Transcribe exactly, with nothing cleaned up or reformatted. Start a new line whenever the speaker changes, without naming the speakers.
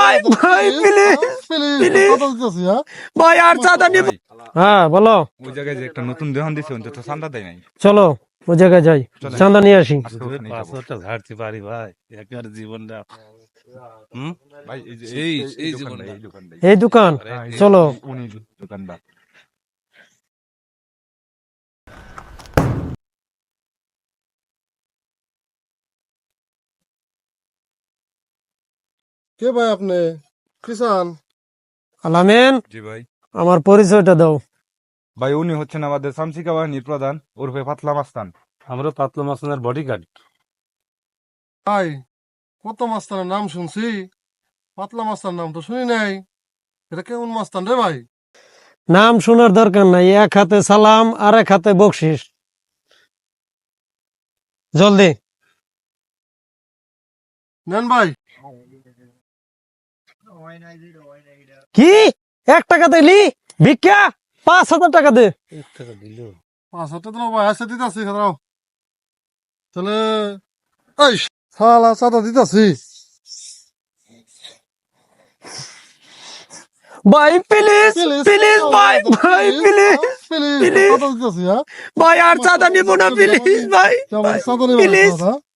ভাই ভাই please please ভাই আর চাঁদা নিব। হ্যাঁ বলো।
ওই জায়গায় যে একটা নতুন দেহন দিছে ওই তো চাঁদা দেয় নাই।
চলো ওই জায়গায় যাই, চাঁদা নিয়ে আসি।
পাসওয়ার্ডটা ঝাড়তে পারি ভাই, একেবারে জীবনটা। হুম
ভাই এই যে
এই
এই
এই
দোকানটা,
জীবনটা
এই দোকানটাই।
এই দোকান, চলো।
উনি দোকানদার।
কে ভাই আপনি? কিষান?
আলামিন,
জি ভাই।
আমার পরিচয়টা দাও।
ভাই উনি হচ্ছেন আমাদের সামসিকা বাহিনীর প্রধান ওরফে পাতলা মাস্তান।
আমরা পাতলা মাসনের বডিগার্ড।
ভাই কত মাস্তানের নাম শুনছি, পাতলা মাস্তার নাম তো শুনি নাই। এটা কেমন মাস্তান রে ভাই?
নাম শোনার দরকার নাই, এক হাতে সালাম আর এক হাতে বকশিস। জলদি
নেন ভাই।
কি এক টাকা দিলি ভিক্ষা? পাঁচ হাজার টাকা দে।
পাঁচ হাজার টাকা ভাই আছে দিতেছি, খারাপ তাহলে এই শালা চাঁদা দিতেছি।
ভাই প্লিজ প্লিজ ভাই ভাই প্লিজ
প্লিজ
প্লিজ
চাঁদা দিতেছি। হ্যাঁ
ভাই আর চাঁদা নিব না প্লিজ ভাই
চাঁদা নিবেন
প্লিজ
না।